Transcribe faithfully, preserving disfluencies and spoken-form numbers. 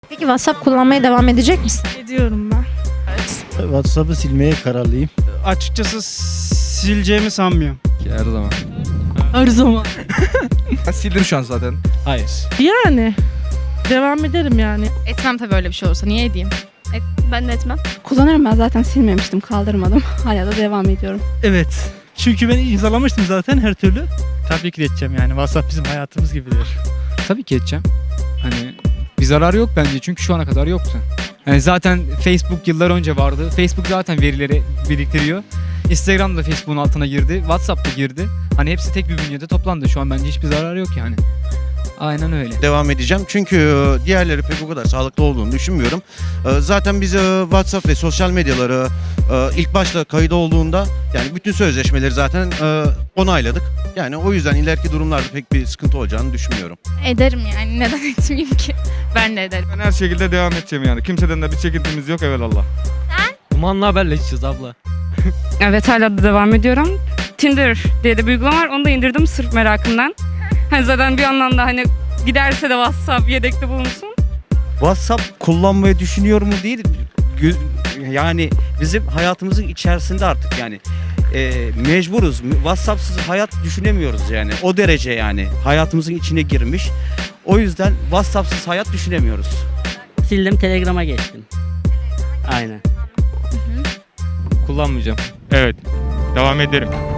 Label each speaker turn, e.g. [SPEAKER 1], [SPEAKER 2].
[SPEAKER 1] Peki WhatsApp kullanmaya devam edecek misin?
[SPEAKER 2] Ediyorum ben.
[SPEAKER 3] WhatsApp'ı silmeye kararlıyım.
[SPEAKER 4] Açıkçası sileceğimi sanmıyorum.
[SPEAKER 5] Her zaman.
[SPEAKER 2] Her zaman.
[SPEAKER 5] Ben sildim şu an zaten.
[SPEAKER 3] Hayır.
[SPEAKER 2] Yani. Devam ederim yani.
[SPEAKER 6] Etmem tabii öyle bir şey olursa. Niye edeyim? Et, ben de etmem.
[SPEAKER 7] Kullanırım, ben zaten silmemiştim, kaldırmadım. Hala da devam ediyorum.
[SPEAKER 3] Evet. Çünkü ben imzalamıştım zaten her türlü. Tabii ki de edeceğim yani. WhatsApp bizim hayatımız gibidir.
[SPEAKER 5] Tabii ki edeceğim. Hani bir zarar yok bence çünkü şu ana kadar yoktu. Yani zaten Facebook yıllar önce vardı. Facebook zaten verileri biriktiriyor. Instagram da Facebook'un altına girdi. WhatsApp da girdi. Hani hepsi tek bir bünyede toplandı. Şu an bence hiçbir zarar yok yani. Aynen öyle.
[SPEAKER 8] Devam edeceğim. Çünkü e, diğerleri pek o kadar sağlıklı olduğunu düşünmüyorum. E, Zaten biz e, WhatsApp ve sosyal medyaları e, ilk başta kayıt olduğunda yani bütün sözleşmeleri zaten e, onayladık. Yani o yüzden ileriki durumlarda pek bir sıkıntı olacağını düşünmüyorum.
[SPEAKER 6] Ederim yani. Neden etmeyeyim ki? Ben de ederim.
[SPEAKER 5] Ben her şekilde devam edeceğim yani. Kimseden de bir çekintimiz yok evelallah.
[SPEAKER 3] Dumanla haberleşeceğiz abla.
[SPEAKER 9] Evet, hala da devam ediyorum. Tinder diye de bir uygulama var. Onu da indirdim sırf merakımdan. Hani zaten bir yandan da hani giderse de WhatsApp yedekte bulunsun.
[SPEAKER 10] WhatsApp kullanmayı düşünüyor mu değil, gö- yani bizim hayatımızın içerisinde artık yani e, mecburuz. WhatsApp'sız hayat düşünemiyoruz yani, o derece yani hayatımızın içine girmiş. O yüzden WhatsApp'sız hayat düşünemiyoruz.
[SPEAKER 11] Sildim, Telegram'a geçtim. Aynen.
[SPEAKER 5] Kullanmayacağım. Evet. Devam ederim.